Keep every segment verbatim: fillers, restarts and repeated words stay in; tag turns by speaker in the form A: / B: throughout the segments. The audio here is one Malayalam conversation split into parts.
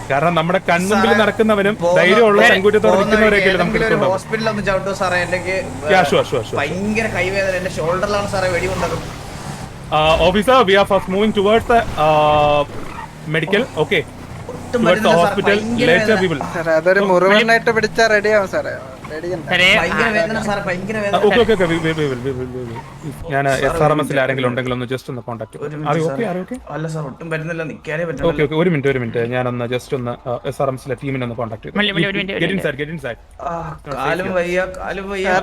A: കാരണം നമ്മുടെ കൺമുമ്പിൽ നടക്കുന്നവനും ധൈര്യമുള്ള ചങ്കൂറ്റത്തോടെ നിൽക്കുന്നവരെയൊക്കെ നമുക്ക്
B: ഹോസ്പിറ്റലിൽ ഒന്ന് ചവിട്ടു സാറേ. എനിക്ക് ഭയങ്കര കൈവേദന, എന്റെ ഷോൾഡറിലാണ് സാറേ വെടി കൊണ്ടത്.
A: Officer, we are first moving towards the medical. Okay, towards the hospital. Later we will.
C: സാറേ അതൊരു മുറിവുണ്ടായിട്ട് പിടിച്ചാ റെഡിയാവും സാറേ.
A: ഞാൻ എസ് ആർ എം എസിൽ ആരെങ്കിലും ഉണ്ടെങ്കിൽ ഒന്ന് ജസ്റ്റ് ഒന്ന് കോൺടാക്ട്.
B: അല്ല സാർ ഒട്ടും പറ്റുന്നില്ല, നിൽക്കാനേ
A: പറ്റില്ല. ഓക്കെ ഓക്കെ, ഒരു മിനിറ്റ് ഒരു മിനിറ്റ് ഞാനൊന്ന് ജസ്റ്റ് ഒന്ന് എസ് ആർ എം എസിലെ ടീമിനെ ഒന്ന് കോൺടാക്ട് ചെയ്തു.
B: കാലും വയ്യ, കാലും വയ്യ.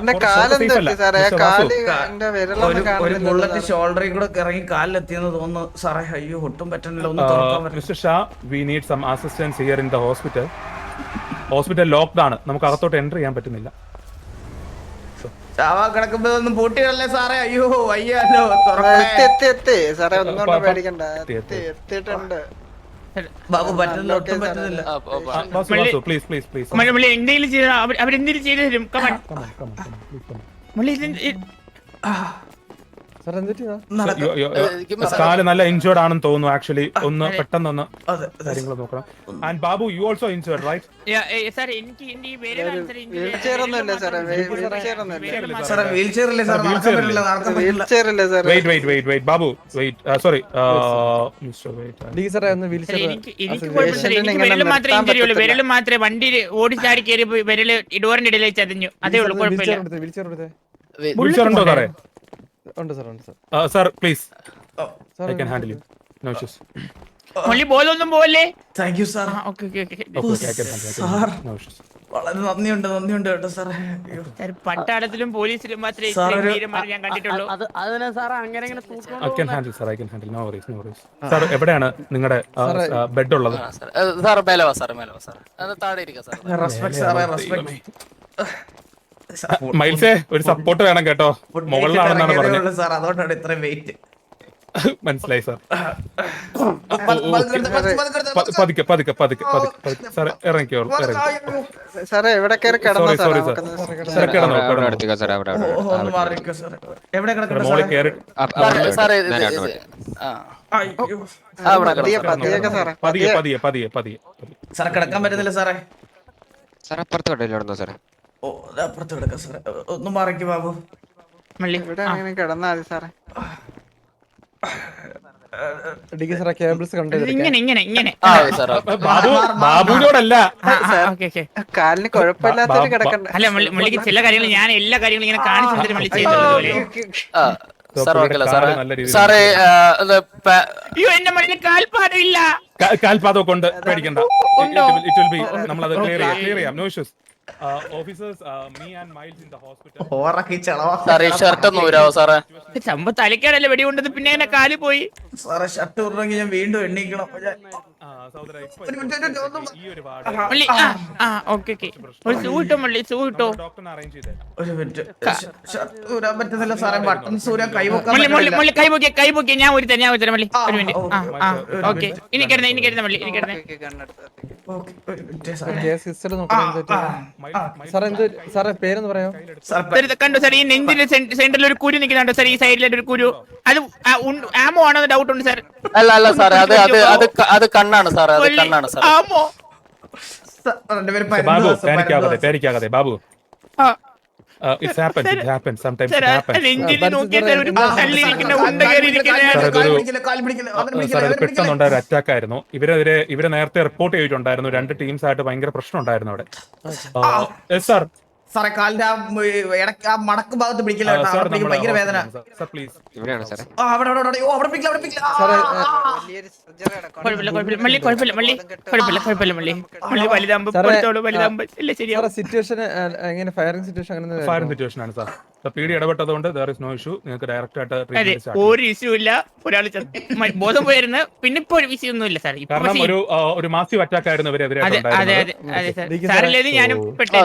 B: ഒരു ബുള്ളറ്റ് ഷോൾഡറിൽ കൂടെ ഇറങ്ങി കാലിലെത്തിയെന്ന് തോന്നുന്നു സാറേ. അയ്യോ ഒട്ടും പറ്റുന്നില്ല, ഒന്ന് തുറക്കാൻ പറ്റില്ല.
A: Mister Shah, we need some assistance here in the hospital. Hospital locked ആണ്, നമുക്ക് അകത്തോട്ട് എൻ്റർ ചെയ്യാൻ പറ്റുന്നില്ല.
B: ചാവാ കിടക്കുമ്പോഴൊന്നും പൂട്ടിയല്ലേ സാറേ. അയ്യോ വയ്യാലോ. ബാബു പറ്റുന്നില്ല, ഒട്ടും പറ്റുന്നില്ല.
D: അവരെന്തെങ്കിലും ചെയ്തു തരും.
A: കാല് നല്ല ഇൻജേർഡ് ആണെന്ന് തോന്നുന്നു. ആക്ച്വലി ഒന്ന് പെട്ടെന്നൊന്ന് കാര്യങ്ങൾ നോക്കണം. And Babu, you also injured right? Wait wait wait wait Babu wait, sorry
D: വിരല് മാത്രമേ വണ്ടി ഓടിച്ചാടി കയറി വിരല് ഡോറിന്റെ ഇടയിൽ ചതഞ്ഞു, അതേ ഉള്ളൂ. കുഴപ്പമില്ല.
A: ഉണ്ടോ സാറേ? Sir please, I can handle you, no issues.
D: മുള്ളി ബോധമൊന്നും പോവല്ലേ?
B: Thank you sir. വളരെ നന്ദിയുണ്ട്, നന്ദിയുണ്ട് കേട്ടോ സാറേ.
D: പട്ടാളത്തിലും പോലീസിലും മാത്രമേ ഞാൻ കണ്ടിട്ടുള്ളൂ.
A: സാർ എവിടെയാണ് നിങ്ങളുടെ ബെഡ് ഉള്ളത്? മൈൽസേ, ഒരു സപ്പോർട്ട് വേണം കേട്ടോ, മുകളിലാണെന്നാണ് പറഞ്ഞത്
B: സാർ, അതുകൊണ്ടാണ് ഇത്രയും വെയിറ്റ്.
A: മനസ്സിലായി സാർ. പതുക്കെ പതുക്കെ പതുക്കെ പതുക്കെ സാർ ഇറങ്ങിക്കോളൂ. പതിയെ പതിയെ പതിയെ പതിയെ
B: സാറേ കിടക്കാൻ പറ്റുന്നില്ല സാറേ.
E: സാർ അപ്പുറത്ത് കടയിലാണോ സാറേ?
B: ഓ അപ്പുറത്ത് കിടക്കാം സാറേ, ഒന്ന് മാറിക്ക് ബാബു.
C: കിടന്നാ മതി സാറേ.
A: ബാബുവിനോടല്ല,
C: കാലിന് കുഴപ്പമില്ലാത്തൊരു കിടക്കണ്ട.
D: അല്ല മുള്ളിക്ക് ചില കാര്യങ്ങൾ ഞാൻ എല്ലാ കാര്യങ്ങളും ഇങ്ങനെ കാണിച്ചു തന്നിട്ട് മള്ളി ചെയ്യുന്നത്. അയ്യോ എന്റെ മള്ളിന് കാൽപാദമില്ല.
A: കാൽപാദം കൊണ്ട് പേടിക്കണ്ട, നമ്മളത് ക്ലിയർ ചെയ്യാം, ക്ലിയർ ചെയ്യാം, നോ ഇഷ്യൂസ്.
D: തലക്കാടല്ലേ വെടി കൊണ്ടത്, പിന്നെ എന്നെ കാല് പോയി.
B: സാറേ ഷർട്ട് ഉറങ്ങി ഞാൻ വീണ്ടും എണ്ണീക്കണം.
D: ഒരു സൂ കിട്ടോ മള്ളി, സൂ കിട്ടോ?
B: ഒരു മിനിറ്റ്, ഷർട്ട് ഊരാൻ പറ്റുന്നില്ല സാറേ. ബട്ടൺസ് ഊരാൻ കൈവക്കാൻ
D: കൈപൊക്കിയ കൈപൊക്കിയ ഞാൻ ഒരു തരാം, ഞാൻ ഒരു തരാം മള്ളി. ഒരു മിനിറ്റ്. ഓക്കെ, ഇനി കിടന്ന ഇനി കിടന്ന മള്ളി, ഇനി കിടന്ന. കണ്ടോ സാർ, ഈ നെഞ്ചിന്റെ സെന്ററിൽ ഒരു കുരു നിൽക്കുന്നുണ്ടോ സാർ? ഈ സൈഡിലെ ഒരു കുരു, അത് ആമോ ആണോ ഡൗട്ട് ഉണ്ട് സാർ.
F: അല്ല അല്ല സാറേ, അത് അത് അത് കണ്ണാണ് സാറേ, അത് കണ്ണാണ് സാർ.
D: ആമോ?
A: ബാബു പേടിക്കാതെ പേടിക്കാതെ Babu. Uh, it happens, it happens, sometimes it happens. പെട്ടെന്നുണ്ടായ ഒരു അറ്റാക്ക് ആയിരുന്നു. ഇവരെതിരെ ഇവരെ നേരത്തെ റിപ്പോർട്ട് ചെയ്തിട്ടുണ്ടായിരുന്നു. രണ്ട് ടീംസ് ആയിട്ട് ഭയങ്കര പ്രശ്നം ഉണ്ടായിരുന്നു അവിടെ. സാർ
B: സാറേ കാലിന്റെ ആ മടക്ക് ഭാഗത്ത് പിടിക്കില്ല, ഭയങ്കര വേദന.
A: പീഡി ഇടപെട്ടതുകൊണ്ട് നോ ഇഷ്യൂ, നിങ്ങൾക്ക് ഡയറക്റ്റ് ആയിട്ട്
D: ഒരു ഇഷ്യൂ ഇല്ല. ഒരാൾ ബോധം പോയിരുന്നു, പിന്നെ ഇപ്പൊ ഒരു വിഷയം ഒന്നും ഇല്ല സാർ.
A: കാരണം ഒരു ഒരു മാസീവ് അറ്റാക്ക് ആയിരുന്നു ഇവരെതിരെ.
D: ഞാനും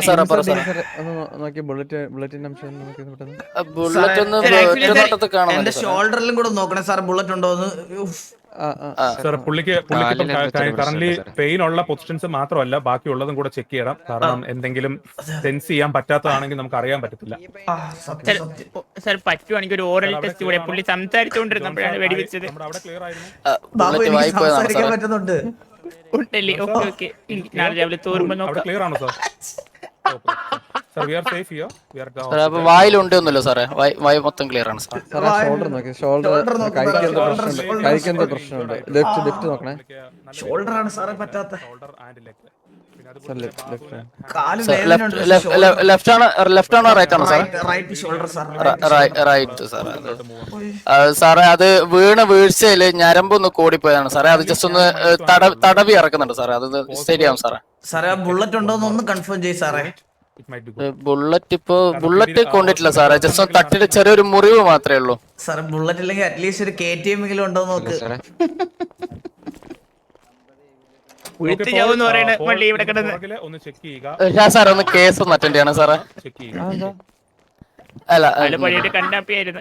B: എന്റെ ഷോൾഡറിലും കൂടെ നോക്കണേ സാർ, ബുള്ളറ്റ് ഉണ്ടോന്ന്.
A: സാർ പുള്ളിക്ക് പുള്ളിക്ക് കറന്റ് പെയിൻ ഉള്ള പൊസിഷൻസ് മാത്രമല്ല ബാക്കിയുള്ളതും കൂടെ ചെക്ക് ചെയ്യണം. കാരണം എന്തെങ്കിലും സെൻസ് ചെയ്യാൻ പറ്റാത്തതാണെങ്കിൽ നമുക്ക് അറിയാൻ പറ്റത്തില്ല.
D: സാർ പറ്റുവാണെങ്കിൽ ഒരു ഓറൽ ടെസ്റ്റ് കൂടെ, പുള്ളി സംസാരിച്ചുകൊണ്ടിരുന്നപ്പോഴാണ് വെടിവെച്ചത്.
B: പറ്റുന്നുണ്ട്.
D: ഉണ്ടല്ലേ ഓക്കെ ഓക്കെ നാളെ രാവിലെ തോറുമ്പോ
A: അവിടെ
D: നോക്കാം.
A: ക്ലിയർ ആണോ സാർ? Sir we are safe here. We are
F: സാറേ അപ്പൊ വായിലുണ്ടൊന്നുമില്ല സാറേ, വായ് വായ് മൊത്തം ക്ലിയർ ആണ് സാർ.
B: സാറേ,
G: ഷോൾഡർ നോക്കി, ഷോൾഡർ
B: Shoulder നോക്ക്
G: കൈക്ക് എന്തോ
B: സാറേ,
G: പ്രശ്നമുണ്ട്,
B: shoulder,
G: കൈക്ക് എന്തോ
B: shoulder.
G: പ്രശ്നമുണ്ട്. ലെഫ്റ്റ് ലെഫ്റ്റ് നോക്കണേ
B: ഷോൾഡർ ആണ് സാറേ പറ്റാത്ത.
A: Shoulder and leg.
G: Sir, left left
B: കാല്
F: ലെഫ്റ്റ് ലെഫ്റ്റ് ആണ് ലെഫ്റ്റ് ആണോ റൈറ്റ് ആണോ sir?
B: Right shoulder sir.
F: Right സാറേ. അത് സാറേ അത് വീണ് വീഴ്ചയില് ഞരമ്പൊന്ന് കൂടിപ്പോയതാണ് സാറേ. അത് ജസ്റ്റ് ഒന്ന് ഏഹ്, തട തടവി ഇറക്കുന്നുണ്ട് സാറേ. അത് ശരിയാവും സാറേ.
B: സാറേ ആ ബുള്ളറ്റ് ഉണ്ടോ എന്ന് ഒന്ന് കൺഫേം ചെയ്യ് സാറേ.
A: It might be good.
F: Bullet ഇപ്പൊ ബുള്ളറ്റ് കൊണ്ടിട്ടില്ല സാറേ. ജസ്റ്റ് ഒന്ന് തട്ടിട്ട് ചെറിയൊരു മുറിവ് മാത്രമേ ഉള്ളൂ.
B: സാറേ ബുള്ളറ്റ് ഇല്ലെങ്കിൽ അറ്റ്ലീസ്റ്റ് ഒരു കെ ടി എം എങ്കിലും ഉണ്ടോ എന്ന് നോക്ക്.
E: സാറേ
D: ഉഴുത്ത് ചാവെന്ന് പറയണ മള്ളി ഇവിടെ കിടന്ന്.
A: ഒന്ന് ചെക്ക് ചെയ്യുക,
F: ഞാൻ സാറേ ഒന്ന് കേസ് ഒന്ന് അറ്റൻഡ് ചെയ്യണം സാറേ.
A: ചെക്ക് ചെയ്യുക.
F: അല്ല
D: ആള് പണിയിട്ട് കണ്ടാപ്പിയായിരുന്നു.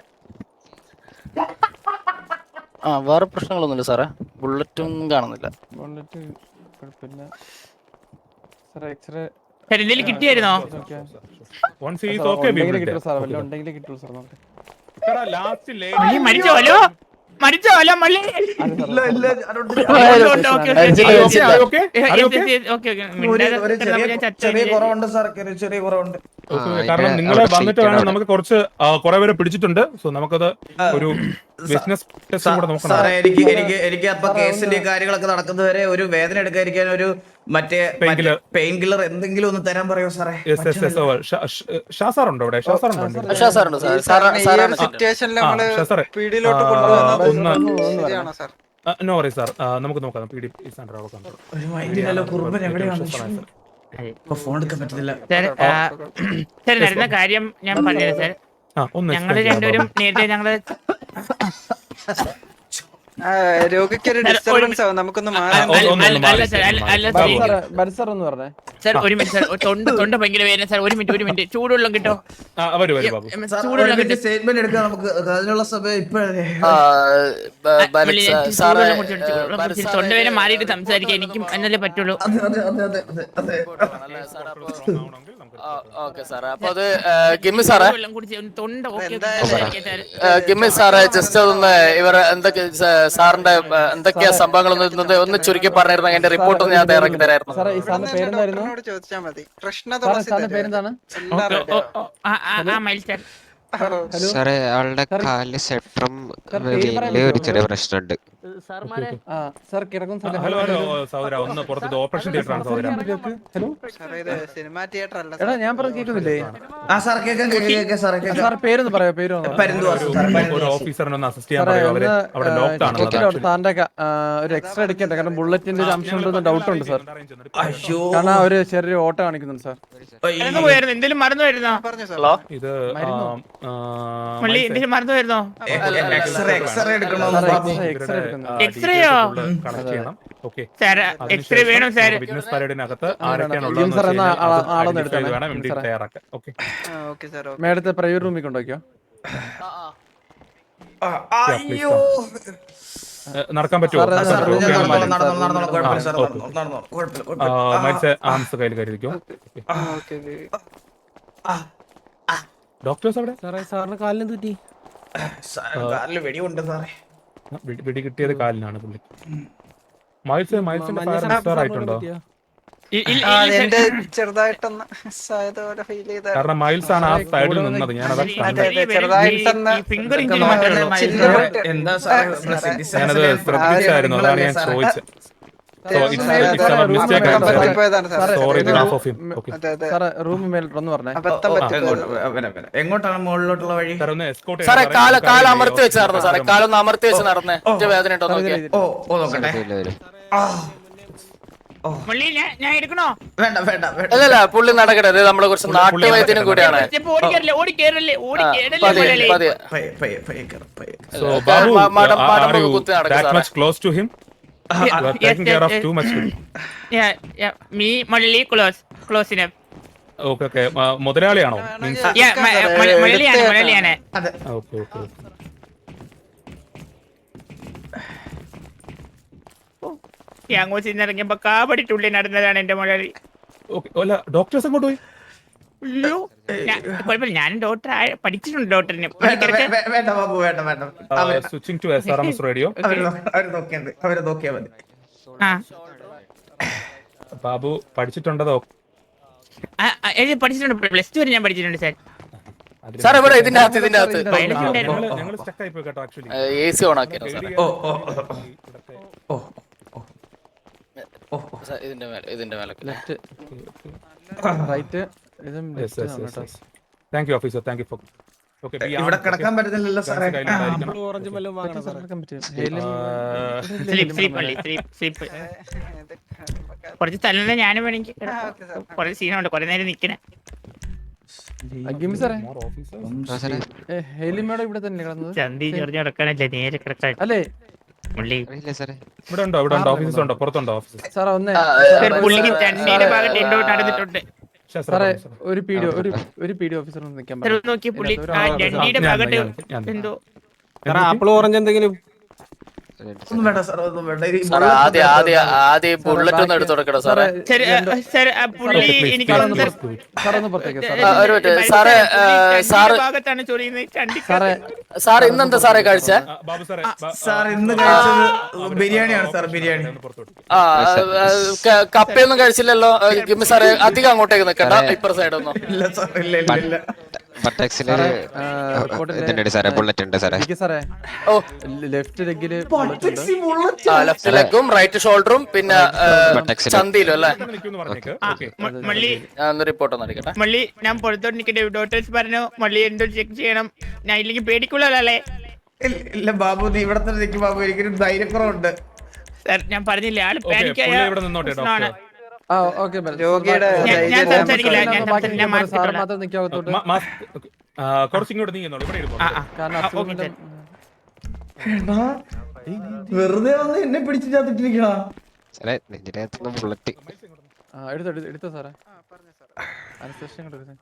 F: ആ വേറെ പ്രശ്നങ്ങളൊന്നുമില്ല സാറേ. ബുള്ളറ്റും കാണുന്നില്ല.
G: ബുള്ളറ്റ് കുഴപ്പമില്ല സാറേ. എക്സ്റേ
D: സാർ എന്തെങ്കിലും കിട്ടിയായിരുന്നോ?
A: Once he is okay, we will
G: കിട്ടും
A: take.
G: സാർ, വല്ല ഉണ്ടെങ്കിൽ കിട്ടും സാർ. നോക്കട്ടെ.
A: സാറേ, last lane-
D: മള്ളി മരിച്ചോ? ഹലോ മരിച്ചോ? ഹലോ മള്ളി
B: ഇല്ല ഇല്ല ഞാനുണ്ട്.
D: ഉണ്ട്, okay, okay,
F: Are you
D: okay.
A: Are you okay?
D: ഏ,
A: Are you
D: yes,
A: okay?
D: yes, okay, okay.
B: ഒരു
D: മിണ്ടാതെ
B: ഒരു
D: കിടന്നപ്പോ
B: ചെറിയ
D: ഞാൻ ചത്തു
B: ചെറിയ
D: വിചാരിച്ചു.
B: കുറവുണ്ട് സാർ, ചെറിയ ചെറിയ കുറവുണ്ട്.
A: Okay,
E: ആ,
A: കാരണം
E: ഇവിടെ
A: നിങ്ങളെ
E: അവിടെ
A: വന്നിട്ട്
E: seat
A: വേണം,
E: ആണ്.
A: നമുക്ക് കുറച്ച് കുറെ പേരെ പിടിച്ചിട്ടുണ്ട്. സോ നമുക്കത് ഒരു ബിസിനസ് ടെസ്റ്റ് കൂടെ നോക്കണം.
B: സാറേ എനിക്ക് എനിക്ക് എനിക്ക് അപ്പൊ കേസിന്റെ കാര്യങ്ങളൊക്കെ നടക്കുന്നവരെ ഒരു വേദന എടുക്കാതിരിക്കാൻ ഒരു മറ്റേ
A: Painkiller.
B: പെയിൻ കില്ലർ എന്തെങ്കിലും ഒന്ന് തരാൻ പറയോ സാറേ?
A: S S S Shah sir ഉണ്ടോ ഇവിടെ? ഷാ സാർ ഉണ്ടോ?
F: ഷാ സാറുണ്ട് സാർ. സാർ
C: സാറിന് ഈ
F: സാറാണ്
C: ഒരു സിറ്റുവേഷനിൽ
A: ആ,
C: നമ്മള്
A: ഷാ സാറേ.
C: പീടിയിലോട്ട്
A: ആ,
C: കൊണ്ടുപോകുന്നത്
A: ഒന്ന്
C: ശരിയാണോ സാർ?
A: നോ വറി സാർ, നമുക്ക് നോക്കാം. P D is under our control.
B: ഒരു മൈൻഡിലല്ലോ കുറുമ്പൻ എവിടെയാണ്? ഇപ്പൊ ഫോൺ എടുക്കാൻ പറ്റത്തില്ല.
D: സാർ ആ, സാർ നടന്ന കാര്യം ഞാൻ പറഞ്ഞത് സാർ.
A: ആ, ഒന്ന്
D: ഞങ്ങള്
A: explain ചെയ്യാമോ?
D: രണ്ടുപേരും നേരത്തെ ഞങ്ങള്
C: ആ, രോഗിക്ക് ഒരു ഡിസ്റ്റർബൻസ് ആവും, നമുക്കൊന്ന് മാറാൻ.
A: ഒന്ന് ഒന്ന് ഒന്ന്
D: അല്ല
A: മാറി
D: സാർ, അല്ല അല്ല
A: ബാബു.
D: സാർ.
G: സാറേ, ബരി സാർ ഒന്ന് പറഞ്ഞേ.
D: സാർ ഒരു മിനിറ്റ് സാർ, തൊണ്ട തൊണ്ട ഭയങ്കര വേദന സാർ. ഒരു മിനിറ്റ് ഒരു മിനിറ്റ് ചൂടുവെള്ളം കിട്ടോ?
A: ആ, വരൂ വരൂ ബാബു.
D: ചൂടുവെള്ളം കിട്ടും.
B: സ്റ്റേറ്റ്മെന്റ് എടുക്കാൻ നമുക്ക് അതിനുള്ള സമയം ഇപ്പോഴേ.
F: ആ, ബ- ബലക് സാ- സാറേ
D: ചൂടുവെള്ളം കുടിച്ചിട്ട് ചൂടുവെള്ളം കുടിച്ചിട്ട് തൊണ്ടവേദന മാറിയിട്ട് സംസാരിക്കാൻ എനിക്കും എന്നല്ലേ പറ്റുള്ളൂ.
B: അതെ അതെ അതെ അതെ അതെ
F: ഓക്കെ സാറേ. അപ്പൊ അത് ഗിമ്മി സാറേ,
D: വെള്ളം കുടിച്ച് ഒന്ന് തൊണ്ട ഓക്കെ സംസാരിക്കാൻ സാർ.
F: ഗിമ്മി സാറേ ജസ്റ്റ് അതൊന്ന് ഇവർ എന്തൊക്കെ സാ- സാറിന്റെ ആ, എന്തൊക്കെയാ സംഭവങ്ങളൊന്നും ഒന്ന് ഒന്ന് ചുരുക്കി പറഞ്ഞിരുന്ന എന്റെ റിപ്പോർട്ട് ഒന്ന് ഞാൻ തയ്യാറാക്കി തരായിരുന്നു.
G: സാറേ ഈ സാറിന്റെ പേരെന്തായിരുന്നു?
C: ഡോക്ടറിനോട് ചോദിച്ചാൽ മതി. കൃഷ്ണ
G: സാറേ
C: തുളസി
G: സാറിന്റെ പേരെന്താണ്?
C: എല്ലാം
D: ഓ,
C: ready
D: ഓ,
C: ആവും.
D: ഓ, ആ, ആ, ആ, മയിൽ സാർ.
G: ഹലോ
E: സാറേ ആളുടെ കാലില് സെട്രം
G: സാർ, പേര് പറയാൻ
E: വലിയ ഒരു
G: പറ്റുമോ?
E: ചെറിയ പ്രശ്നമുണ്ട്.
G: ആ സാർ കിടക്കും സാറേ.
A: ഹലോ ഹലോ സഹോദര, ഒന്ന് പുറത്ത് ഓപ്പറേഷൻ തിയേറ്റർ ആണ് സഹോദര.
G: ഹലോ
C: സാറേ ഇത് സിനിമാ തിയേറ്റർ അല്ല
G: എടാ, ഞാൻ പറഞ്ഞ കേൾക്കുന്നില്ലേ?
B: ആ സാർ കേൾക്കാം കേൾക്കാം കേൾക്കാം സാറേ കേൾക്കാം.
G: സാർ പേരൊന്ന് പറയാ. പേര് ഒന്ന് പറയോ?
B: പരുന്തുവാസ് സാർ,
A: ഒരു
B: പരുന്തുവാസ്.
A: ഓഫീസറിനെ ഒന്ന് അസിസ്റ്റ് ചെയ്യാൻ
G: സാറേ
A: പറയൂ. അവര്
G: ഒന്ന്
A: അവിടെ ലോക്ക്ഡ് ആണ്.
G: ചെക്കിലോ സാറിന്റെ ക- ആ, ഒരു എക്സ്റേ എടുക്കട്ടെ, കാരണം ബുള്ളറ്റിന്റെ ഒരു അംശം ഉണ്ടെന്ന് ഡൗട്ട് ഉണ്ട് സാർ.
B: അയ്യോ
G: കാരണം ആ ഒരു ചെറിയൊരു ഓട്ടം കാണിക്കുന്നുണ്ട് സാർ.
D: മറന്നു പോയായിരുന്നു, എന്തെങ്കിലും മറന്നു വരുന്നോ?
C: പറഞ്ഞു സാർ.
F: ഹലോ
A: ഇത്
D: മള്ളി എന്തെങ്കിലും മറന്നു വരുന്നോ?
B: എക്സ്റേ എക്സ്റേ എടുക്കണോ
G: സാറേ
B: ബാബു?
G: എക്സ്റേ എടുക്കുന്നു.
D: എക്സ്റേയോ?
A: കണക്ട് ചെയ്യണം. ഓക്കെ,
D: സാർ എക്സ്റേ വേണം സാർ.
A: ബിസിനസ് പരേഡിനകത്ത്
G: ജിം സാർ എന്നാ ആളെ- ആളൊന്ന് എടുത്തേ.
A: വേണം എം ഡി തയ്യാറാക്കാൻ. Okay,
C: okay sir.
G: മേഡത്തെ പ്രൈവറ്റ് റൂമിൽ കൊണ്ടുവയ്ക്കോ.
B: ആ, അയ്യോ
A: നടക്കാൻ പറ്റുമോ?
G: സാറേ,
B: സാർ
G: റൂമിൽ
B: ഞാൻ നടന്നോളാം
G: കൊണ്ടുവയ്ക്കാം.
B: നടന്നോളാം നടന്നോളാം കുഴപ്പമില്ല സാർ,
A: ആ,
B: നടന്നോളാം നടന്നോളാം കുഴപ്പമില്ല കുഴപ്പമില്ല.
A: മത്സ്യ ആംസ് കയ്യിൽ കരുതിക്കോ. ഡോക്ടേഴ്സ് അവിടെ
G: സാറേ സാറിന് കാലിന് തെറ്റി.
B: സാർ, കാലില് വെടിയുണ്ട് സാറേ.
A: ആ, വെടി- വെടി കിട്ടിയത് കാലിനാണ് പുള്ളി. മൈൽസ് മൈൽസിന്റെ ഫയർ എക്സ്പയർ ആയിട്ടുണ്ടോ?
D: ഇ- ഇല്ല,
C: ആ,
D: ഇല്ല,
C: എന്റെ
D: സാർ.
C: ചെറുതായിട്ടൊന്ന് ആയതുപോലെ ഫീൽ ചെയ്ത.
A: കാരണം മൈൽസ് ആണ് ആ സൈഡിൽ നിന്നത്. ഞാൻ അതാ
C: അതെ,
A: കണ്ടത്.
C: അതെ, ചെറുതായിട്ടൊന്ന്
D: ഫിംഗർ
B: ഇതൊക്കെ
D: ഇഞ്ചിന് മാത്രമേ ഉള്ളൂ.
B: നോക്കല്ലേ, എന്താ സാറേ നമ്മുടെ citizens
A: ഞാനത്
B: ലെ
A: ശ്രദ്ധിച്ചായിരുന്നു, അതാണ് ഞാൻ
B: സാറേ.
A: ചോദിച്ചത്. So it's
C: സാറേ,
A: it's
C: സാറേ,
A: our
C: റൂമിൽ
A: mistake. I'm
C: company
A: sorry.
C: പോയതാണ് സാർ.
A: Sorry,
G: ഇത്
A: behalf of him. Okay.
C: അതെ അതെ
G: സാറേ റൂമിൽ മേലോട്ടൊന്ന് പറഞ്ഞേ.
C: അബദ്ധം
B: ഓ,
C: പറ്റിയത്.
B: എങ്ങോട്ട്? വരാം, വരാം. എങ്ങോട്ടാണ് മുകളിലോട്ടുള്ള വഴി?
A: സാർ ഒന്ന് escort
F: സാറേ
A: ചെയ്യാൻ
F: കാല്
A: പറയൂ.
F: കാല് അമർത്തി വെച്ച് നടന്നു സാറേ. കാലൊന്ന് അമർത്തി വെച്ച് നടന്നേ. ഒറ്റ വേദന ഉണ്ടോ നോക്കിയേ.
B: ഓ ഓ നോക്കട്ടെ.
E: ഇല്ല, വരും.
B: ആ,
D: മള്ളി ഞാൻ ഞാൻ എടുക്കണോ?
B: വേണ്ട വേണ്ട വേണ്ട.
F: അല്ലല്ല പുള്ളി നടക്കട്ടെ. ഇത് നമ്മളെ കുറച്ച് നാട്ടുവൈദ്യനും കൂടിയാണ്.
D: സ്റ്റെപ്പ് ഓടി കയറില്ലേ, ഓടി കയറല്ലേ, ഓടി കയറല്ലേ
F: പതിയെ
D: മള്ളി.
F: പതിയെ.
B: പയ്യെ, പയ്യെ, പയ്യെ കയറ്, പയ്യെ.
A: So, Babu,
F: മ- മടം-
A: are
F: മടമ്പ്
A: you
F: കുത്തി നടക്ക്
A: that
F: സാറേ.
A: much close to him? You are
D: Yes,
A: taking care
D: yes,
A: of
D: yes.
A: too much.
D: Yeah, yeah, me മള്ളി close, close enough.
A: Okay, okay. ആ, മുതലാളിയാണോ? Means-
D: Yeah, മ- മ- മലയാളിയാണ് മലയാളിയാണ്.
B: അതെ.
A: ആ, okay, okay, okay.
D: ഈ അങ്ങോട്ട് ചെന്നിറങ്ങിയപ്പോ കാപടിട്ടുള്ളിൽ നടന്നതാണ് എന്റെ മലയാളി.
A: Okay. അല്ല, ഡോക്ടേഴ്സ് അങ്ങോട്ട് പോയി.
D: അയ്യോ, ഞാൻ- കുഴപ്പമില്ല, ഞാനും ഡോക്ടർ പഠിച്ചിട്ടുണ്ട് ഡോക്ടറിന്.
B: വേണ്ട വേ- വേ- വേണ്ട ബാബു വേണ്ട വേണ്ട. അവര്
A: switching to S R M S radio.
B: അവര് നോ- അവര് നോക്കിയാ മതി, അവര് നോക്കിയാ മതി.
D: ആ
A: ബാബു പഠിച്ചിട്ടുണ്ടതോ?
D: ആ, ആ, എനിക്ക് പഠിച്ചിട്ടുണ്ട്, പ്ലസ് ടു വരെ ഞാൻ പഠിച്ചിട്ടുണ്ട് സാർ.
F: സാർ ഇവിടെ ഇതിന്റെ അകത്ത് ഇതിന്റെ അകത്ത്
D: ബയോളജി ഉണ്ടായിരുന്നു.
A: ഞങ്ങള് ഞങ്ങള് stuck ആയിപ്പോയി കേട്ടോ ആക്ച്വലി.
F: എ സി ഓൺ ആക്കിയാണ് സാറേ.
B: ഓ ഓ ഓ ഓ
F: സാർ, ഇതിന്റെ മേലെ ഇതിന്റെ മേലെ
G: ലെഫ്റ്റ് റൈറ്റ് ഇതും
A: Yes, yes, yes, yes. Thank you, officer. Thank you for. Okay, be
B: ഇവിടെ
A: armed,
B: കിടക്കാൻ
A: okay?
B: പറ്റുന്നില്ലല്ലോ സാറേ.
A: Guns കയ്യിലുണ്ടായിരിക്കണം. Uh,
D: സ്ലീപ്പ് സ്ലീപ്പ് അല്ലേ സ്ലീപ്പ് സ്ലീപ്പ്. കുറച്ച് തലേ ഞാനും വേണമെങ്കിൽ കിടക്കാം. കുറേ സീനുണ്ട്, കുറെ നേരം നിക്കണേ.
G: ഗിമ്മി സാറേ
A: more officers.
E: ആ സാറേ
G: ഹേലിമേടെ ഇവിടെ തന്നെ കിടന്നത്
D: ചന്തി ചെറിഞ്ഞ് കിടക്കാനല്ലേ, നേരെ കിടക്കാൻ.
G: അല്ലേ?
D: പുള്ളി
E: അറിയില്ല സാറേ.
A: ഇവിടെ ഉണ്ടോ? ഇവിടെ ഉണ്ടോ? ഓഫീസസ് ഉണ്ടോ? പുറത്തുണ്ടോ ഓഫീസസ്?
G: സാറേ ഒന്ന്
D: സാർ, പുള്ളിക്ക് ചണ്ടിയുടെ ഭാഗത്ത് എന്തോ നടന്നിട്ടുണ്ട്.
G: സാറേ ഒരു പി ഡി ഒരു ഒരു പി ഡി ഓഫീസർ ഒന്ന് നിൽക്കാൻ
D: സാർ ഒന്ന് നോക്കി, പുള്ളി ആ ചണ്ടിയുടെ ഭാഗത്ത് എന്തോ.
H: ആപ്പിൾ ഓറഞ്ച് എന്തെങ്കിലും
B: ഒന്നും വേണ്ട സാർ, ഒന്നും വേണ്ട. ഈ
F: സാർ
B: bullet
F: ആദ്യം
B: ഒന്ന്
F: ആദ്യം ആദ്യം ബുള്ളറ്റ് ഒന്ന് എടുത്തു കൊടുക്കണം സാറേ.
D: സാർ ആ, സാർ ആ, പുള്ളി എനിക്ക് തോന്നുന്നു സാർ,
G: സാർ ഒന്ന് പുറത്തേക്ക് സാർ
F: ആ, ഒരു മിനിറ്റ്. സാറേ, ആ, സാറ്
D: ചണ്ടിയുടെ ഭാഗത്താണ് ചൊറിയുന്നത്. ചണ്ടി
G: സാറേ
F: സാർ ഇന്നെന്താ സാറേ കഴിച്ച?
A: ആ, ബാബു സാറേ, ബ-
B: സാർ ഇന്ന് കഴിച്ചത് ബിരിയാണിയാണ് സാർ, ബിരിയാണി.
A: ഒന്ന് പുറത്ത് വിട്ടു.
F: ആ ആ, ക- കപ്പയൊന്നും കഴിച്ചില്ലല്ലോ. ആ, ഗിമ്മി സാറേ അധികം അങ്ങോട്ടേക്ക് നിൽക്കണ്ട, ഇപ്പുറ സൈഡ് ഒന്നും.
B: ഇല്ല സാർ, ഇല്ല ഇല്ല ഇല്ല.
E: ബട്ടക്സില് ഇതുണ്ട് സാറേ, ബുള്ളറ്റ് ഉണ്ട് സാറേ.
G: എനിക്ക് സാറേ
F: ഓ
G: ലെഫ്റ്റ് ലെഗില്
B: Buttocks ഈ bullet.
F: ആ, ലെഫ്റ്റ് ലെഗും റൈറ്റ് ഷോൾഡറും പിന്നെ ആ,
E: ബട്ടക്സില്
F: ചന്തിയിലും അല്ലേ?
A: ഇവിടെ നിൽക്കുമെന്ന് പറഞ്ഞേക്ക്.
D: ആ,
A: Okay.
D: മ- മള്ളി
F: ഞാൻ ഒന്ന് റിപ്പോർട്ട് ഒന്ന് അടിക്കട്ടെ.
D: മള്ളി ഞാൻ പുറത്തോട്ട് നിൽക്കട്ടെ. ഡോക്ടേഴ്സ് പറഞ്ഞു മള്ളി എന്തോ ചെക്ക് ചെയ്യണം. ഞാൻ ഇല്ലെങ്കിൽ പേടിക്കുള്ളല്ലേ
B: ഇല്ല, ഇല്ല ബാബു, നീ ഇവിടെ തന്നെ നിൽക്കും ബാബു, എനിക്കൊരു ധൈര്യക്കുറവുണ്ട്.
D: സാർ. ഞാൻ പറഞ്ഞില്ലേ, ആള്
A: Okay,
D: പാനിക്കായ
A: പുള്ളി ഇവിടെ നിന്നോട്ടെ,
D: പ്രശ്നമാണ്.
A: ഡോക്ടർ.
G: ആ ഓക്കെ
C: രോഗിയുടെ
D: ഞാൻ- ഞാൻ
C: ധൈര്യം
D: സംസാരിക്കില്ല, ഞാൻ
G: ബാക്കി
D: സംസാരിക്കില്ല, ഞാൻ
G: സാർ
D: മാറ്റിക്കോളാം.
G: മാത്രം നിൽക്കാവത്തോട്ട്
A: Ma- mask- okay. ആ, കുറച്ച് ഇങ്ങോട്ട് നീങ്ങുന്നുള്ളൂ. ഇവിടെ ഇരുന്നോ.
D: ആ, ആ.
G: കാരണം
D: ആ, ഓക്കേ
G: അസുഖം
D: സാർ.
B: എടാ, വെറുതെ വന്ന് എന്നെ പിടിച്ചിട്ടിരിക്കണ.
E: സാറേ നെഞ്ചിനകത്തുനിന്ന് ബുള്ളറ്റ്.
G: ആ എടുത്തോ എടുത്തോ, എടുത്തോ സാറേ അനസ്തേഷ്യ കൊടുക്കുന്നത്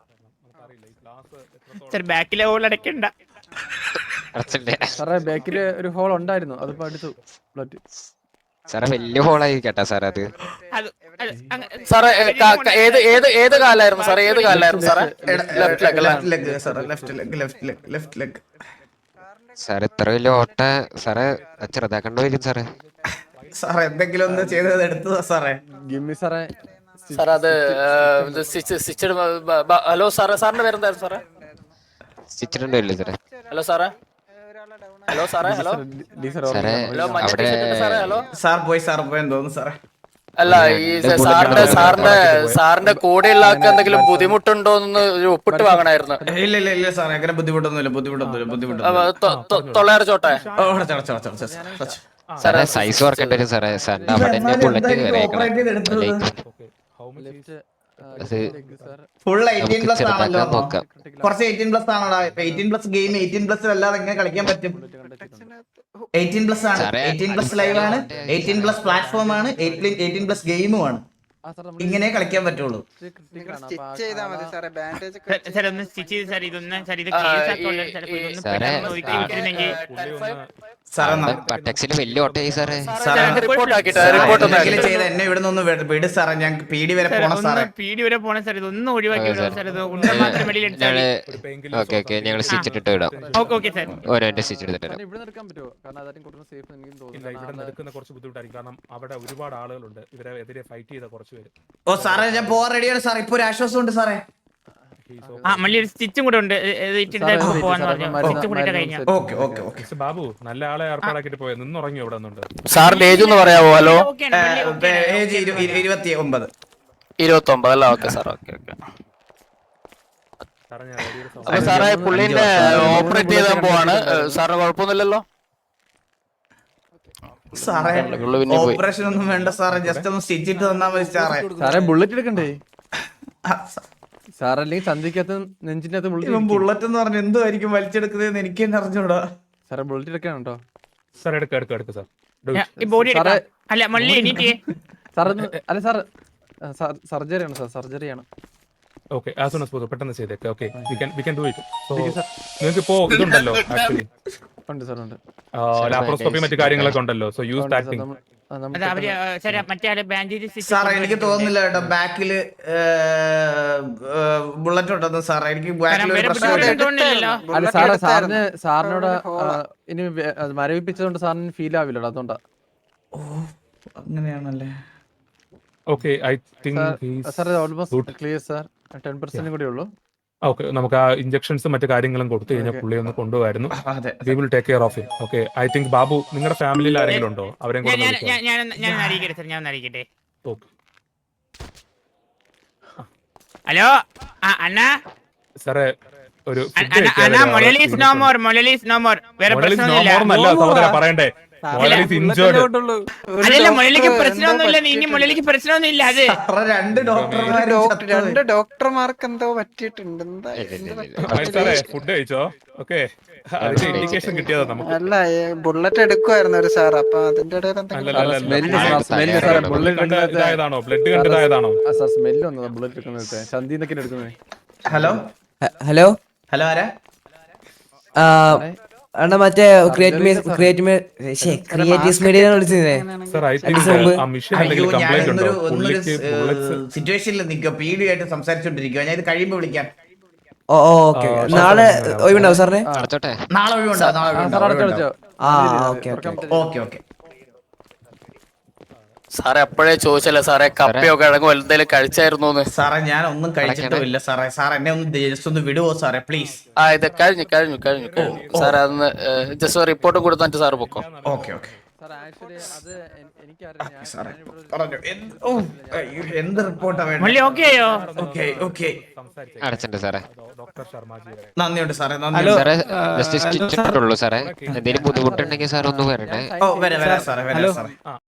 D: സാർ ബാക്കിലെ ഹോൾ അടയ്ക്കണ്ട.
E: അടച്ചില്ലേ
G: സാറേ ബാക്കില് ഒരു ഹോൾ ഉണ്ടായിരുന്നു, അതിപ്പോ എടുത്തു ബ്ലഡ്.
E: സാറേ വലിയ ഹോളായി കേട്ടാ സാറേ അത്.
D: അത് അത് അങ്ങ്
F: സാറേ ഏ, ക- ക- ഏത് ഏത് ഏത് കാലായിരുന്നു സാറേ? ഏത് കാലായിരുന്നു സാറേ? ലെഫ്റ്റ് ലെഗ് അല്ലേ?
B: Left leg sir, left leg, left leg, left leg.
E: സാറേ ഇത്ര വലിയ ഓട്ട സാറേ ചെറുതാക്കണ്ട വരും സാറേ.
B: സാർ എന്തെങ്കിലും ഒന്ന് ചെയ്തത് എടുത്തതാ സാറേ.
G: ഗിമ്മി സാറേ
F: സാർ അത് സ്റ്റിച്ചഡ്. ഹലോ സാറേ, സാറിന്റെ പേരെന്തായിരുന്നു സാറേ?
E: സ്റ്റിച്ചിട്ടുണ്ടോ ഇല്ലേ സാറേ?
F: ഹലോ സാറേ, ഹലോ സാറേ, ഹലോ
G: ഡി സാർ
E: സാറേ
F: ഹലോ മഞ്ഞ
E: അവിടെ
F: ടീഷർട്ട് സാറേ, ഹലോ.
B: സാർ പോയി, സാർ പോയെന്ന് തോന്നുന്നു സാറേ.
F: അല്ല, ഈ സാറിന്റെ സാറിന്റെ സാറിന്റെ കൂടെയുള്ള ആൾക്ക് എന്തെങ്കിലും ബുദ്ധിമുട്ടുണ്ടോ എന്ന് ഒരു ഒപ്പിട്ട് വാങ്ങണായിരുന്നു.
B: ഇല്ല ഇല്ല ഇല്ല സാറേ, അങ്ങനെ ബുദ്ധിമുട്ടൊന്നുമില്ല, ബുദ്ധിമുട്ടൊന്നുമില്ല, ബുദ്ധിമുട്ടൊന്നുമില്ല.
F: തൊള്ളയറച്ചോട്ടെ.
B: ഓ, അടച്ചോ, അടച്ചോ, അടച്ചോ, അടച്ചോ, അടച്ചോ.
E: സാറേ സൈസ് ഓർക്കേണ്ടി വരും സാറേ. സാറിന്റെ അവിടെ തന്നെ ബുള്ളറ്റ് കയറിയേക്കണം. അത്
B: ഫുൾ എയ്റ്റീൻ
E: നമുക്ക്
B: പ്ലസ് ആണല്ലോ.
E: ചെറുതാക്കാൻ നോക്കാം.
B: കുറച്ച് എയ്റ്റീൻ പ്ലസ് ആണോടാ? Eighteen plus game eighteen plus അല്ലാതെ എങ്ങനെ കളിക്കാൻ പറ്റും? എയ്റ്റീൻ പ്ലസ് ആണ്,
E: സാറേ,
B: എയ്റ്റീൻ പ്ലസ് ലൈവ് ആണ്, എയ്റ്റീൻ പ്ലസ് പ്ലാറ്റ്ഫോം ആണ്, എയ്റ്റീൻ പ്ലസ് ഗെയിമും ആണ്. ഇങ്ങനെ കളിക്കാൻ പറ്റുള്ളൂ.
C: സ്റ്റിച്ച് ചെയ്താൽ മതി സാറേ, ബാൻഡേജ് ഒക്കെ
D: സാർ, സാർ ഒന്ന് സ്റ്റിച്ച് ചെയ്ത് സാർ, ഇതൊന്ന് സാർ ഇത് കേസ് ആക്കോളാം സാർ. ഇതൊന്ന്
E: സാറേ,
D: പെട്ടെന്ന് ഒതുക്കി വിട്ടിരുന്നെങ്കിൽ.
B: സാറേ ന-
E: ബട്ടക്സിൽ വലിയ ഓട്ടയായി സാറേ.
B: സാറേ
F: റിപ്പോർട്ട് ആക്കിട്ടെ,
B: സാറേ,
F: റിപ്പോർട്ട് ഒന്ന്
B: എന്തെങ്കിലും
F: ആക്കിട്ടെ.
B: ചെയ്ത് എന്നെ ഇവിടെ നിന്ന് വിട് സാറേ, ഞാൻ പീടി വരെ
D: സാർ
B: പോണം
D: ഒന്ന്
B: സാറേ.
D: പീടി വരെ പോണം സാർ. ഇതൊന്നും ഒഴിവാക്കി
E: ഓക്കേ
D: വിടാം
E: സാർ.
D: സാർ. ഇത് ഉണ്ട മാത്രം വെളിയിൽ എടുത്താൽ
E: ഞങ്ങള് ഓക്കെ ഓക്കെ ഞങ്ങൾ സ്റ്റിച്ചിട്ടിട്ട് വിടാം.
D: Okay okay sir.
E: ഓരോന്റെ സ്റ്റിച്ച് എടുത്തിട്ട് വരാം.
G: ഇവിടെ എടുക്കാൻ പറ്റുമോ? കാരണം അതാരും കൂടുതൽ സേഫ് എനിക്കും
A: ഇല്ല,
G: തോന്നുന്നു.
A: ഇവിടെ നിന്ന് എടുക്കുന്ന കുറച്ച് ബുദ്ധിമുട്ടായിരിക്കും. കാരണം അവിടെ ഒരുപാട് ആളുകളുണ്ട്. ഇവരെ എതിരെ ഫൈറ്റ് ചെയ്ത കുറച്ച് പേര്.
B: ഓ സാറേ, ഞാൻ പോവാൻ റെഡിയാണ് സാർ. ഇപ്പൊ ഒരു ആശ്വാസം ഉണ്ട് സാറേ.
D: ആ മള്ളി ഒരു സ്റ്റിച്ചും കൂടെ ഉണ്ട്. ഇത് ഇട്ടിട്ട് പോവാന്ന് പറഞ്ഞു. സ്റ്റിച്ചും കൂടെ ഇട്ട് കഴിഞ്ഞാൽ
B: okay okay okay.
A: Mister Babu, നല്ല ആളെ ഏർപ്പാടാക്കിട്ട് പോയത്. നിന്നുറങ്ങി ഇവിടെ നിന്നുണ്ട്.
F: സാറിന്റെ ഏജ് ഒന്ന് പറയാവോ? ഹലോ,
D: ഓക്കെയാണ്, മള്ളി ഓക്കെയാണ്.
B: ഏജ് ഇരു- ഇരു- ഇരുപത്തി ഒമ്പത്.
F: ഇരുപത്തി ഒമ്പത് അല്ല? Okay sir, okay okay.
A: സാറേ, ഞാൻ വലിയൊരു സൗ-
F: അപ്പൊ സാറേ പുള്ളിന്റെ ഓപ്പറേറ്റ് ചെയ്താൻ പോവാണ്. സാറിന് കുഴപ്പമൊന്നുമില്ലല്ലോ?
B: സാറേ
F: പുള്ളി പിന്നെ പോയി.
B: ഓപ്പറേഷൻ ഒന്നും വേണ്ട സാറേ, ജസ്റ്റ് ഒന്ന് സ്റ്റിച്ച് ഇട്ട് തന്നാ മതി സാറേ.
G: സാറേ ബുള്ളറ്റ് എടുക്കണ്ടേ
B: ആ, സ-
G: സാർ? അല്ലെങ്കിൽ ചന്തിക്കകത്ത് നെഞ്ചിന്റെ അകത്ത്
B: ഇവൻ
G: ബുള്ളറ്റ്.
B: ബുള്ളറ്റ് എന്ന് പറഞ്ഞ എന്തുമായിരിക്കും വലിച്ചെടുക്കുന്നതെന്ന് എനിക്ക് തന്നെ അറിഞ്ഞൂടാ.
G: സാറേ ബുള്ളറ്റ് എടുക്കണം കേട്ടോ.
A: സാർ എടുക്ക എടുക്ക എടുക്ക സാർ.
D: ഞാൻ ഈ ബോഡി
G: സാറേ,
D: എടുക്കാം. അല്ല മള്ളി എനിക്ക്
G: സാർ അല്ല സാർ സർജറി ആണ് സാർ, സർജറി ആണ്.
A: Okay, as soon as possible പെട്ടെന്ന് ചെയ്തേക്ക്. Okay, we can we can do it. So നിങ്ങൾക്ക് ഇപ്പോ ഇതുണ്ടല്ലോ ആക്ച്വലി
G: ഉണ്ട് സാർ, ഉണ്ട്.
A: ലാപ്രോസ്കോപ്പി മറ്റു കാര്യങ്ങളൊക്കെ ഉണ്ടല്ലോ. So use that thing.
G: നമ്മൾ- ആ, നമ്മൾ
D: അത് അവര് സാർ മറ്റേ ആള് ബാൻഡേജ്
B: സാറേ എനിക്ക് തോന്നുന്നില്ല കേട്ടോ ബാക്കില് ബുള്ളറ്റ് ഉണ്ടെന്ന് സാറേ. എനിക്ക് ബാക്കിൽ ഒരു പ്രശ്നമില്ല.
D: തോന്നുന്നില്ലല്ലോ.
G: അല്ല സാറേ, സാറിന് സാറിനോട് ആ, ഇനി വേ- അത് മരവിപ്പിച്ചതുകൊണ്ട് സാറിന് ഫീൽ ആവില്ലല്ലോ, അതുകൊണ്ടാ.
B: ഓ അങ്ങനെയാണല്ലേ.
A: Okay I think
G: sir almost clear sir ten percent കൂടി ഉള്ളൂ.
A: ഓക്കെ നമുക്ക് ആ ഇഞ്ചക്ഷൻസും മറ്റു കാര്യങ്ങളും കൊടുത്തു കഴിഞ്ഞാൽ പുള്ളി ഒന്ന് കൊണ്ടുപോകായിരുന്നു. We will take care of him. Okay I think Babu നിങ്ങളുടെ ഫാമിലിയിൽ ആരെങ്കിലും ഉണ്ടോ? അവരെയും കൂടെ
D: ഞാൻ ഞാൻ ഞാൻ ഞാൻ അറിയിക്കട്ടെ സാർ, ഞാൻ അറിയിക്കട്ടെ.
A: ഓക്കെ
D: ഹലോ അണ്ണാ
A: സാറേ ഒരു
D: അണ്ണാ മൊലലീസ് നോ മോർ, മൊലലീസ് നോ മോർ. വേറെ പ്രശ്നമൊന്നുമില്ല
A: സഹോദര പറയണ്ടേ.
D: അതല്ല മുരളിക്ക് പ്രശ്നമൊന്നുമില്ല, ഇനി മുരളിക്ക് പ്രശ്നമൊന്നുമില്ല. അത്
B: രണ്ട് ഡോക്ടർമാർ
C: രണ്ട് ഡോക്ടർമാർക്ക് എന്തോ പറ്റിയിട്ടുണ്ട്. എന്താ
A: ഫുഡ് കഴിച്ചോ? ഓക്കെ അതിന്റെ ഇൻഡിക്കേഷൻ കിട്ടിയതാ നമുക്ക്.
C: അല്ല ബുള്ളറ്റ് എടുക്കുമായിരുന്നു ഒരു സാർ, അപ്പൊ അതിന്റെ ഇടയിൽ
A: ഇതായതാണോ ബ്ലഡ് കണ്ടതായതാണോ?
G: സാർ സ്മെല്ല് വന്നതാ ബുള്ളറ്റ് എടുക്കുന്നത്, ചന്തിന്നൊക്കെ എടുക്കുന്നത്.
B: ഹലോ
I: ഹലോ
B: ഹലോ ആരാ?
I: അണ്ണാ മറ്റേ ക്രിയേറ്റീവ്സ് മീഡിയ വിളിച്ചേ.
B: അയ്യോ ഞാൻ ഒന്നൊരു ഒന്നൊരു സിറ്റുവേഷനിൽ നിൽക്കുക, പീഡിയായിട്ട് സംസാരിച്ചോണ്ടിരിക്കുക. ഞാൻ ഇത് കഴിയുമ്പോ വിളിക്കാം.
I: ഓ ഓക്കെ നാളെ ഒഴിവുണ്ടാവും സാറിന്?
B: നാളെ ഒഴിവുണ്ടാവും, നാളെ ഒഴിവുണ്ടാവും.
I: ആ ഓക്കെ
B: ഓക്കെ ഓക്കെ
F: സാറേ അപ്പോഴേ ചോദിച്ചല്ലേ സാറേ കപ്പയോ കിഴങ്ങോ എന്തെങ്കിലും കഴിച്ചായിരുന്നു?
B: സാറേ ഞാൻ ഒന്നും കഴിച്ചിട്ടുമില്ല സാറേ. സാർ എന്നെ ഒന്ന് ജസ്റ്റ് ഒന്ന് വിടുവോ സാറേ പ്ലീസ്?
F: ആ ഇത് കഴിഞ്ഞു കഴിഞ്ഞു കഴിഞ്ഞു കഴിഞ്ഞു സാറേ. അതൊന്ന് ജസ്റ്റ് റിപ്പോർട്ട് കൊടുത്തിട്ട് സാറ് പൊക്കോ.
B: ഓക്കെ ഓക്കെ എന്ത് റിപ്പോർട്ടാ
D: മുരളി
B: വേണ്ടത്?
D: ഓക്കെ ആയോ?
B: ഓക്കെ ഓക്കെ
E: അടച്ചിട്ടുണ്ട് സാറേ.
B: നന്ദിയുണ്ട് സാറേ, നന്ദി.
E: സാറേ ജസ്റ്റ് സ്റ്റിച്ചിട്ടുള്ളൂ സാറേ. എന്തെങ്കിലും ബുദ്ധിമുട്ടുണ്ടെങ്കിൽ സാർ ഒന്ന് വരണേ.
B: ഓ വരാം വരാം സാറേ, വരാം സാറേ.